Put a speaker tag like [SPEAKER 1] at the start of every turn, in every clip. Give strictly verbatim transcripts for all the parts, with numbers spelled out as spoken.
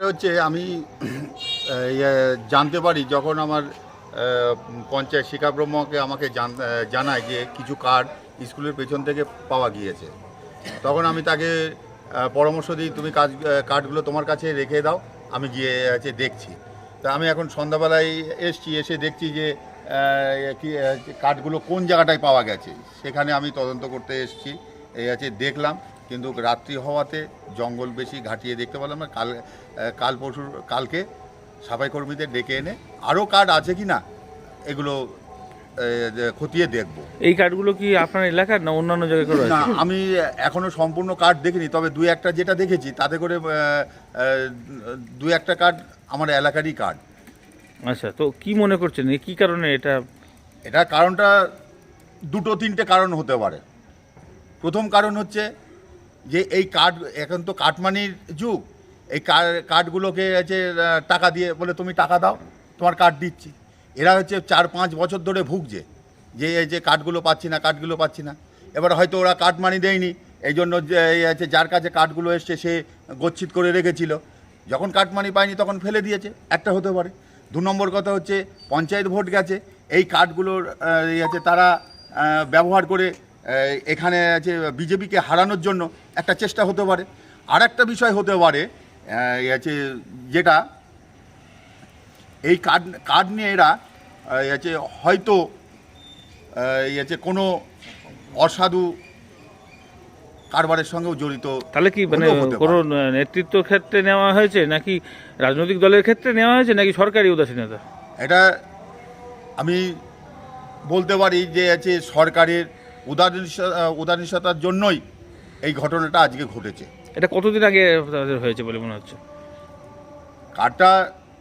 [SPEAKER 1] হচ্ছে আমি জানতে পারি যখন আমার পঞ্চায়েত শিক্ষা ব্রহ্মকে আমাকে জানায় যে কিছু কার্ড স্কুলের পেছন থেকে পাওয়া গিয়েছে, তখন আমি তাকে পরামর্শ দিই তুমি কাজ কার্ডগুলো তোমার কাছে রেখে দাও, আমি গিয়ে আছে দেখছি। তা আমি এখন সন্ধ্যাবেলায় এসছি, এসে দেখছি যে কার্ডগুলো কোন জায়গাটায় পাওয়া গেছে, সেখানে আমি তদন্ত করতে এসেছি। এই আছে দেখলাম, কিন্তু রাত্রি হওয়াতে জঙ্গল বেশি ঘাটিয়ে দেখতে পেলাম না। কাল কাল পরশু কালকে সাফাই কর্মীদের ডেকে এনে আরও কার্ড আছে কি না এগুলো খতিয়ে দেখব।
[SPEAKER 2] এই কার্ডগুলো কি আপনার এলাকার না অন্যান্য জায়গায় করে?
[SPEAKER 1] না, আমি এখনও সম্পূর্ণ কার্ড দেখিনি, তবে দুই একটা যেটা দেখেছি তাতে করে দু একটা কার্ড আমার এলাকারই কার্ড।
[SPEAKER 2] আচ্ছা, তো কি মনে করছেন কি কারণে এটা?
[SPEAKER 1] এটা কারণটা দুটো তিনটে কারণ হতে পারে। প্রথম কারণ হচ্ছে যে এই কার্ড, এখন তো কাটমানির যুগ, এই কার্ডগুলোকে আছে টাকা দিয়ে বলে তুমি টাকা দাও তোমার কার্ড দিচ্ছি। এরা হচ্ছে চার পাঁচ বছর ধরে ভুগছে যে এই যে কার্ডগুলো পাচ্ছি না কার্ডগুলো পাচ্ছি না। এবার হয়তো ওরা কাটমানি দেয়নি, এই জন্য এই আছে যার কাছে কার্ডগুলো এসছে সে গচ্ছিত করে রেখেছিল, যখন কাটমানি পায়নি তখন ফেলে দিয়েছে, একটা হতে পারে। দু নম্বর কথা হচ্ছে পঞ্চায়েত ভোট গেছে, এই কার্ডগুলোর আছে তারা ব্যবহার করে এখানে আছে বিজেপিকে হারানোর জন্য একটা চেষ্টা হতে পারে। আর একটা বিষয় হতে পারে আছে যেটা এই কার্ড কার্ড নিয়ে এরা আছে হয়তো আছে কোনো অসাধু কারবারের সঙ্গেও জড়িত।
[SPEAKER 2] তাহলে কি মানে কোনো নেতৃত্ব ক্ষেত্রে নেওয়া হয়েছে নাকি রাজনৈতিক দলের ক্ষেত্রে নেওয়া হয়েছে নাকি সরকারি উদাসীনতা?
[SPEAKER 1] এটা আমি বলতে পারি যে আছে সরকারের উদাসীনতার জন্যই এই ঘটনাটা আজকে ঘটেছে।
[SPEAKER 2] এটা কতদিন আগে হয়েছে বলে মনে হচ্ছে?
[SPEAKER 1] কার্ডটা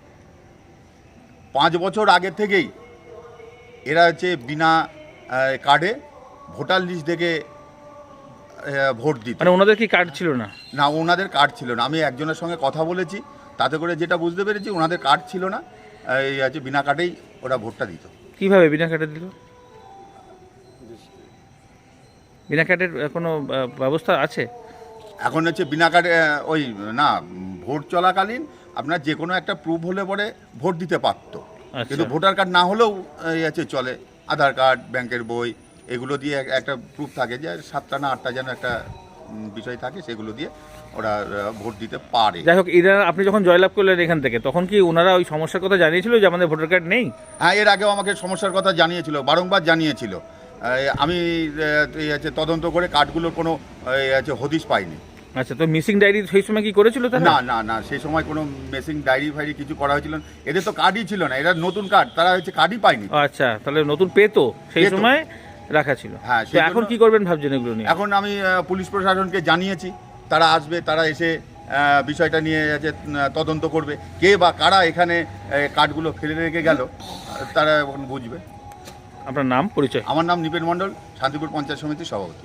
[SPEAKER 1] পাঁচ বছর আগে থেকেই এরা হচ্ছে বিনা কার্ডে ভোটার লিস্ট দেখে ভোট দিত।
[SPEAKER 2] মানে ওনাদের কি কার্ড ছিল না?
[SPEAKER 1] না, ওনাদের কার্ড ছিল না। আমি একজনের সঙ্গে কথা বলেছি, তাতে করে যেটা বুঝতে পেরেছি ওনাদের কার্ড ছিল না, এই আছে বিনা কার্ডেই ওরা ভোটটা দিত।
[SPEAKER 2] কিভাবে বিনা কার্ডে দিল? বিনা কার্ডের কোনো ব্যবস্থা আছে
[SPEAKER 1] এখন? হচ্ছে বিনা কার্ডে ওই না, ভোট চলাকালীন আপনার যে কোনো একটা প্রুফ হলে পরে ভোট দিতে পারত, কিন্তু ভোটার কার্ড না হলেও এই আছে চলে। আধার কার্ড, ব্যাংকের বই, এগুলো দিয়ে একটা প্রুফ থাকে যে সাতটা না আটটা যেন একটা বিষয় থাকে, সেগুলো দিয়ে ওরা ভোট দিতে পারে।
[SPEAKER 2] যাই হোক, এরা আপনি যখন জয়লাভ করলেন এখান থেকে, তখন কি ওনারা ওই সমস্যার কথা জানিয়েছিল যে আমাদের ভোটার কার্ড নেই?
[SPEAKER 1] হ্যাঁ, এর আগেও আমাকে সমস্যার কথা জানিয়েছিল, বারংবার জানিয়েছিল। আমি আছে তদন্ত করে কার্ডগুলোর কোনো আছে হদিশ পাইনি।
[SPEAKER 2] আচ্ছা, তো মিসিং ডায়েরি সেই সময় কি করেছিল?
[SPEAKER 1] না না না, সেই সময় কোনো মিসিং ডায়েরি ফাইরি কিছু করা হয়েছিল না। এদের তো কার্ডই ছিল না, এরা নতুন কার্ড, তারা হচ্ছে কার্ডই পায়নি।
[SPEAKER 2] আচ্ছা, তাহলে নতুন পেতো সেই সময় রাখা ছিল।
[SPEAKER 1] হ্যাঁ,
[SPEAKER 2] এখন কি করবেন ভাবছেন এগুলো নিয়ে?
[SPEAKER 1] এখন আমি পুলিশ প্রশাসনকে জানিয়েছি, তারা আসবে, তারা এসে বিষয়টা নিয়ে আছে তদন্ত করবে, কে বা কারা এখানে কার্ডগুলো ফেলে রেখে গেল তারা এখন বুঝবে।
[SPEAKER 2] আপনার নাম পরিচয়?
[SPEAKER 1] আমার নাম নিপেন মণ্ডল, শান্তিপুর পঞ্চায়েত সমিতির সভাপতি।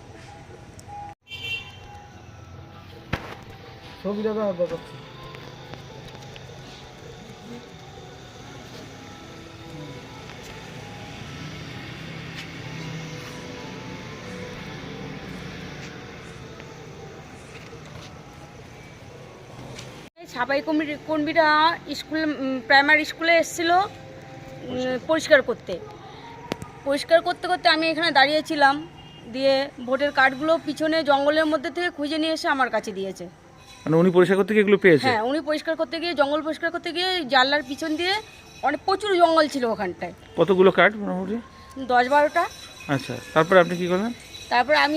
[SPEAKER 3] সাফাই কর্মীরা স্কুল প্রাইমারি স্কুলে এসেছিল পরিষ্কার করতে পরিষ্কার করতে করতে আমি এখানে দাঁড়িয়েছিলাম, দিয়ে ভোটের কার্ডগুলো পিছনে জঙ্গলের মধ্যে থেকে খুঁজে নিয়ে এসে আমার কাছে দিয়েছে।
[SPEAKER 2] মানে উনি পরিষ্কার করতে গিয়ে এগুলো পেয়েছে?
[SPEAKER 3] হ্যাঁ, উনি পরিষ্কার করতে গিয়ে জঙ্গল পরিষ্কার করতে গিয়ে জানলার পিছন দিয়ে অনেক প্রচুর জঙ্গল ছিল ওখানটায়।
[SPEAKER 2] কতগুলো কার্ড মোটামুটি?
[SPEAKER 3] দশ বারোটা।
[SPEAKER 2] আচ্ছা, তারপরে আপনি কি করলেন?
[SPEAKER 3] তারপরে আমি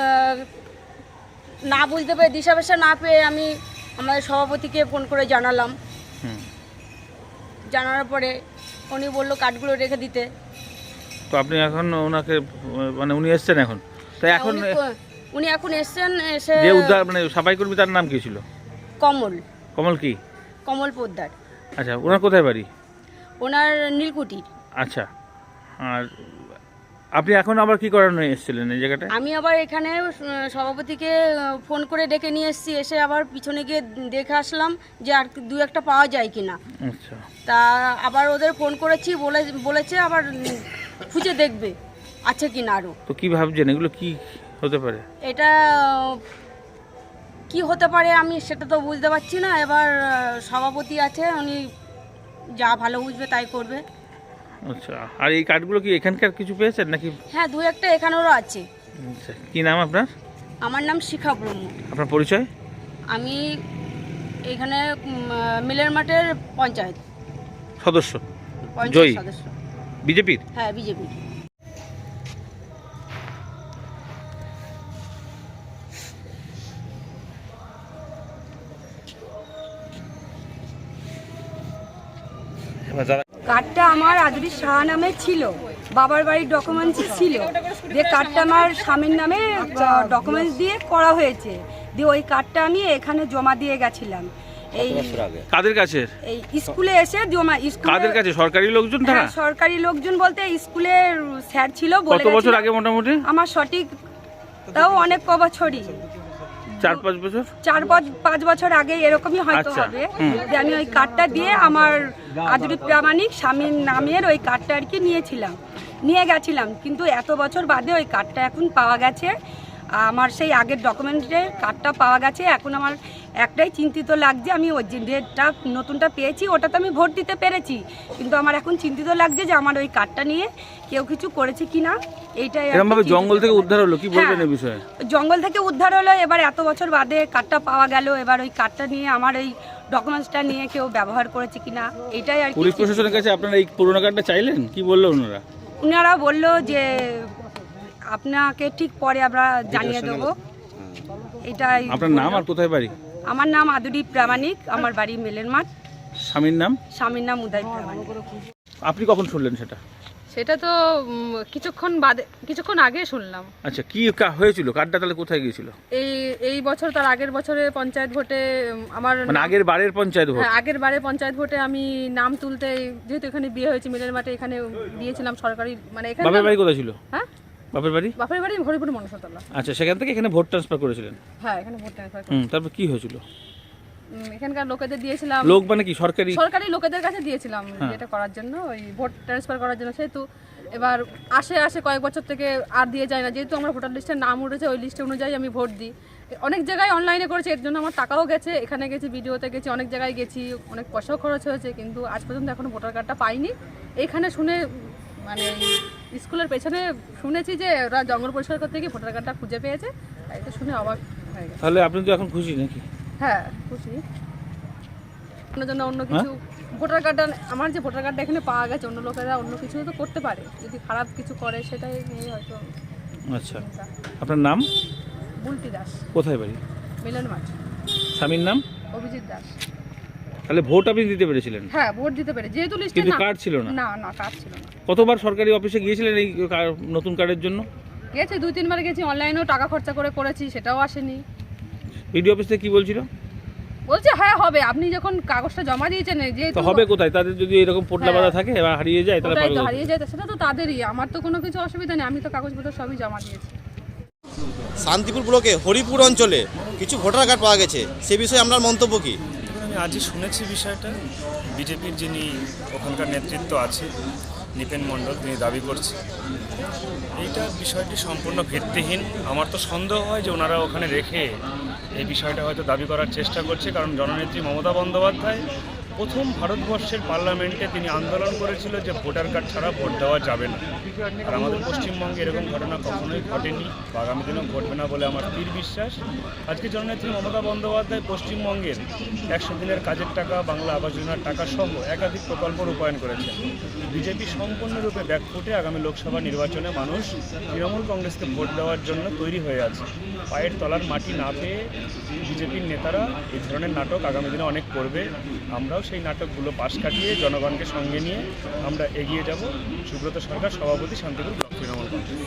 [SPEAKER 3] না বুঝতে পেরে, দিশাবেশা না পেয়ে আমি আমাদের সভাপতিকে ফোন করে জানালাম। জানানোর পরে উনি বললো কার্ডগুলো রেখে দিতে।
[SPEAKER 2] তো আপনি এখন ওনাকে মানে উনি এসছেন এখন? তো এখন
[SPEAKER 3] উনি এখন এসছেন, এসে
[SPEAKER 2] যে উদ্ধার মানে সাফাই কর্মী তার নাম কি ছিল?
[SPEAKER 3] কমল।
[SPEAKER 2] কমল কি?
[SPEAKER 3] কমল পোদ্দার।
[SPEAKER 2] আচ্ছা, ওনার কোথায় বাড়ি?
[SPEAKER 3] ওনার নীলকুঠি।
[SPEAKER 2] আচ্ছা, আর আপনি এখন আবার কি করার নিয়ে এসেছিলেন এই জায়গাটায়?
[SPEAKER 3] আমি আবার এখানে সভাপতিকে ফোন করে ডেকে নিয়ে এসেছি, এসে আবার পিছনে গিয়ে দেখে আসলাম যে আর দু একটা পাওয়া যায় কিনা।
[SPEAKER 2] আচ্ছা,
[SPEAKER 3] তা আবার ওদের ফোন করেছি, বলে বলেছে আবার খুঁজে দেখবে আছে কিনা আরও।
[SPEAKER 2] তো কি ভাবছেন এগুলো কি হতে পারে?
[SPEAKER 3] এটা কি হতে পারে আমি সেটা তো বুঝতে পারছি না। এবার আহ, সভাপতি আছে, উনি যা ভালো বুঝবে তাই করবে।
[SPEAKER 2] আচ্ছা, আর এই কার্ডগুলো কি এখানকার কিছু পেয়েছেন নাকি?
[SPEAKER 3] হ্যাঁ, দু একটা এখানেরও আছে।
[SPEAKER 2] আচ্ছা, কি নাম আপনার?
[SPEAKER 3] আমার নাম শিখা ব্রহ্ম।
[SPEAKER 2] আপনার পরিচয়?
[SPEAKER 3] আমি এখানে উম, আহ, মিলের মাঠের পঞ্চায়েত
[SPEAKER 2] সদস্য,
[SPEAKER 3] পঞ্চায়েত
[SPEAKER 2] জয়ী
[SPEAKER 3] সদস্য।
[SPEAKER 2] বিজেপির?
[SPEAKER 3] হ্যাঁ, বিজেপি।
[SPEAKER 4] কার্ডটা আমার আদরি সাহা নামে ছিল, বাবার বাড়ির ডকুমেন্টসই ছিল। দিয়ে কার্ডটা আমার স্বামীর নামে ডকুমেন্টস দিয়ে করা হয়েছে। দিয়ে ওই কার্ডটা আমি এখানে জমা দিয়ে গেছিলাম। এই
[SPEAKER 2] কাদের কাছে?
[SPEAKER 4] এই স্কুলে এসে জমা স্কুলে।
[SPEAKER 2] কাদের কাছে? সরকারি লোকজন তারা?
[SPEAKER 4] হ্যাঁ, সরকারি লোকজন বলতে স্কুলের স্যার ছিল। বলে
[SPEAKER 2] কত বছর
[SPEAKER 4] গেছিল।
[SPEAKER 2] আগে মোটামুটি?
[SPEAKER 4] আমার সঠিক তাও অনেক ক বছরই,
[SPEAKER 2] চার পাঁচ বছর
[SPEAKER 4] চার পাঁচ- পাঁচ বছর আগে এরকমই হয়তো
[SPEAKER 2] আচ্ছা,
[SPEAKER 4] হবে।
[SPEAKER 2] হুম।
[SPEAKER 4] যে আমি ওই কার্ডটা দিয়ে আমার আদরি প্রামাণিক স্বামীর নামের ওই কার্ডটা আর কি নিয়েছিলাম, নিয়ে গেছিলাম। কিন্তু এত বছর বাদে ওই কার্ডটা এখন পাওয়া গেছে। আমার সেই আগের ডকুমেন্টের কার্ডটা পাওয়া গেছে। এখন আমার একটাই চিন্তিত লাগছে, আমি ওই যে ডেটটা নতুনটা পেয়েছি ওটা তো আমি ভোট দিতে পেরেছি, কিন্তু আমার এখন চিন্তিত লাগছে যে আমার ওই কার্ডটা নিয়ে কেউ কিছু করেছে কিনা। এইটাই আর কি
[SPEAKER 2] এরকম ভাবে
[SPEAKER 4] চিন্তিত
[SPEAKER 2] জঙ্গল থেকে
[SPEAKER 4] লাগছে।
[SPEAKER 2] উদ্ধার হলো, কি বলবেন
[SPEAKER 4] হ্যাঁ,
[SPEAKER 2] এই বিষয়ে?
[SPEAKER 4] জঙ্গল থেকে উদ্ধার হলো, এবার এত বছর বাদে কার্ডটা পাওয়া গেল। এবার ওই কার্ডটা নিয়ে আমার এই ডকুমেন্টসটা নিয়ে কেউ ব্যবহার করেছে কিনা এইটাই আর কি।
[SPEAKER 2] পুলিশ প্রশাসনের কাছে আপনারা এই পুরোনো কার্ডটা চাইলেন, কি বললো ওনারা?
[SPEAKER 4] ওনারা বললো যে আপনাকে ঠিক পরে আমরা জানিয়ে দেবো। এটাই।
[SPEAKER 2] আপনার নাম আর কোথায় বাড়ি?
[SPEAKER 4] আমার নাম আদুরি প্রামাণিক, আমার বাড়ি মেলের মাঠ।
[SPEAKER 2] স্বামীর নাম?
[SPEAKER 4] স্বামীর নাম উদয় প্রামাণিক।
[SPEAKER 2] আপনি কখন শুনলেন সেটা?
[SPEAKER 5] সেটা তো উম, কিছুক্ষণ বাদে কিছুক্ষণ আগে শুনলাম।
[SPEAKER 2] আচ্ছা, কি কা- হয়েছিল? কার্ডটা তাহলে কোথায় গিয়েছিল?
[SPEAKER 5] এই এই বছর তার আগের বছরে পঞ্চায়েত ভোটে উম, আমার
[SPEAKER 2] মানে
[SPEAKER 5] নাম-
[SPEAKER 2] আগের বারের পঞ্চায়েত ভোট?
[SPEAKER 5] হ্যাঁ, আগের বারে পঞ্চায়েত ভোটে আমি নাম তুলতে, যেহেতু এখানে বিয়ে হয়েছে মিলের মাঠে, এখানে দিয়েছিলাম সরকারি, মানে এখানে
[SPEAKER 2] বাপের বাড়ি কোথায় ছিল?
[SPEAKER 5] হ্যাঁ,
[SPEAKER 2] বাপের বাড়ি?
[SPEAKER 5] বাপের বাড়ি হরিপুর মনসাতলা।
[SPEAKER 2] আচ্ছা, সেখান থেকে এখানে ভোট ট্রান্সফার করেছিলেন?
[SPEAKER 5] হ্যাঁ, এখানে ভোট ট্রান্সফার
[SPEAKER 2] হুম, তারপর কি হয়েছিল?
[SPEAKER 5] এখানকার লোকেদের দিয়েছিলাম।
[SPEAKER 2] লোক মানে কি সরকারি?
[SPEAKER 5] সরকারি লোকেদের কাছে দিয়েছিলাম
[SPEAKER 2] হ্যাঁ।
[SPEAKER 5] যেটা করার জন্য, ওই ভোট ট্রান্সফার করার জন্য। সেহেতু এবার আসে আসে কয়েক বছর থেকে আর দিয়ে যায় না, যেহেতু আমার ভোটার লিস্টের নাম উঠেছে, ওই লিস্টে অনুযায়ী আমি ভোট দিই। অনেক জায়গায় অনলাইনে করেছে, এর জন্য আমার টাকাও গেছে, এখানে গেছি, ভিডিওতে গেছি, অনেক জায়গায় গেছি, অনেক পয়সাও খরচ হয়েছে, কিন্তু আজ পর্যন্ত এখনো ভোটার কার্ডটা পাইনি। এখানে শুনে, মানে স্কুলের পেছনে শুনেছি যে ওরা জঙ্গল পরিষ্কার করতে গিয়ে ভোটার কার্ডটা খুঁজে পেয়েছে, তাই তো শুনে অবাক হয়ে গেছে।
[SPEAKER 2] তাহলে আপনি তো এখন খুশি নাকি?
[SPEAKER 5] হ্যাঁ, খুশি। অন্য জন্য অন্য কিছু ভোটার কার্ডটা, আমার যে ভোটার কার্ডটা এখানে পাওয়া গেছে, অন্য লোকেরা অন্য কিছু তো করতে পারে, যদি খারাপ কিছু করে সেটাই নিয়ে হয়তো।
[SPEAKER 2] আচ্ছা, আপনার নাম?
[SPEAKER 5] বুলটি দাস,
[SPEAKER 2] কোথায় বাড়ি?
[SPEAKER 5] মিলন মাঠ।
[SPEAKER 2] স্বামীর নাম?
[SPEAKER 5] অভিজিৎ দাস।
[SPEAKER 2] তাহলে ভোট আপনি দিতে পেরেছিলেন?
[SPEAKER 5] হ্যাঁ, ভোট দিতে পেরে, যেহেতু লিস্টে
[SPEAKER 2] কিন্তু
[SPEAKER 5] না,
[SPEAKER 2] কার্ড ছিল না?
[SPEAKER 5] না না কার্ড ছিল না।
[SPEAKER 2] কতবার সরকারি অফিসে গিয়েছিলেন এই কার- নতুন কার্ডের জন্য?
[SPEAKER 5] গেছে দুই তিনবার গেছি, অনলাইনেও টাকা খরচা করে করেছি, সেটাও আসেনি।
[SPEAKER 2] বিডিও অফিস থেকে কি বলছিল?
[SPEAKER 5] বলছে হ্যাঁ হবে, আপনি যখন কাগজটা জমা দিয়েছেন, যেহেতু
[SPEAKER 2] তো হবে কোথায়? তাদের যদি এরকম পোটলা
[SPEAKER 5] হ্যাঁ।
[SPEAKER 2] বাঁধা থাকে এবার হারিয়ে যায় তাহলে
[SPEAKER 5] ওটাই
[SPEAKER 2] পাবে
[SPEAKER 5] তো
[SPEAKER 2] কোথায়?
[SPEAKER 5] হারিয়ে যায়, সেটা তো তাদেরই, আমার তো কোনো কিছু অসুবিধা নেই, আমি তো কাগজপত্র সবই জমা দিয়েছি।
[SPEAKER 6] শান্তিপুর ব্লকে হরিপুর অঞ্চলে কিছু ভোটার কার্ড পাওয়া গেছে, সে বিষয়ে আপনার মন্তব্য কী?
[SPEAKER 7] আমি আজই শুনেছি বিষয়টা। বিজেপির যিনি ওখানকার নেতৃত্ব আছে, নিপেন মণ্ডল, তিনি দাবি করছে এইটা বিষয়টি সম্পূর্ণ ভিত্তিহীন। আমার তো সন্দেহ হয় যে ওনারা ওখানে রেখে এই বিষয়টা হয়তো দাবি করার চেষ্টা করছে, কারণ জননেত্রী মমতা বন্দ্যোপাধ্যায় প্রথম ভারতবর্ষের পার্লামেন্টে তিনি আন্দোলন করেছিল যে ভোটার কার্ড ছাড়া ভোট দেওয়া যাবে না। আর আমাদের পশ্চিমবঙ্গে এরকম ঘটনা কখনোই ঘটেনি বা আগামী দিনেও ঘটবে না বলে আমার স্থির বিশ্বাস। আজকে জননেত্রী মমতা বন্দ্যোপাধ্যায় পশ্চিমবঙ্গের একশো দিনের কাজের টাকা, বাংলা আবাস যোজনার টাকা সহ একাধিক প্রকল্প রূপায়ণ করেছে। বিজেপি সম্পূর্ণরূপে ব্যাকফুটে আগামী লোকসভা নির্বাচনে মানুষ তৃণমূল কংগ্রেসকে ভোট দেওয়ার জন্য তৈরি হয়ে আছে। পায়ের তলার মাটি না পেয়ে বিজেপির নেতারা এই ধরনের নাটক আগামী দিনে অনেক করবে। আমরাও সেই নাটকগুলো পাশ কাটিয়ে জনগণকে সঙ্গে নিয়ে আমরা এগিয়ে যাব। সুব্রত সরকার, সভাপতি, শান্তিপুর ব্লক তৃণমূল কংগ্রেস।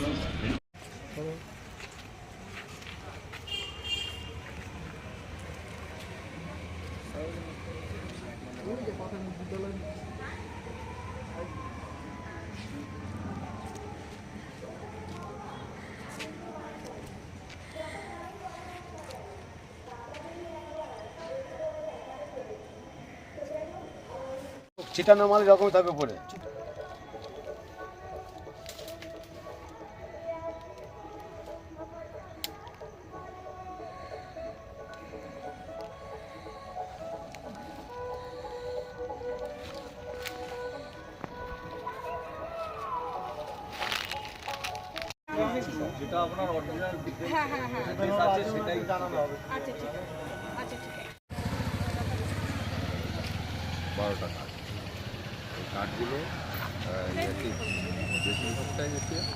[SPEAKER 8] ছিটানো মাল এরকম থাকবে পরে। যেটা আপনার অরিজিনাল
[SPEAKER 4] হ্যাঁ হ্যাঁ হ্যাঁ
[SPEAKER 8] আছে সেটাই জানানো হবে।
[SPEAKER 4] আচ্ছা ঠিক আছে আচ্ছা ঠিক আছে
[SPEAKER 9] বারোটা কার্ড এই কার্ডগুলো বেশিরভাগটাই হচ্ছে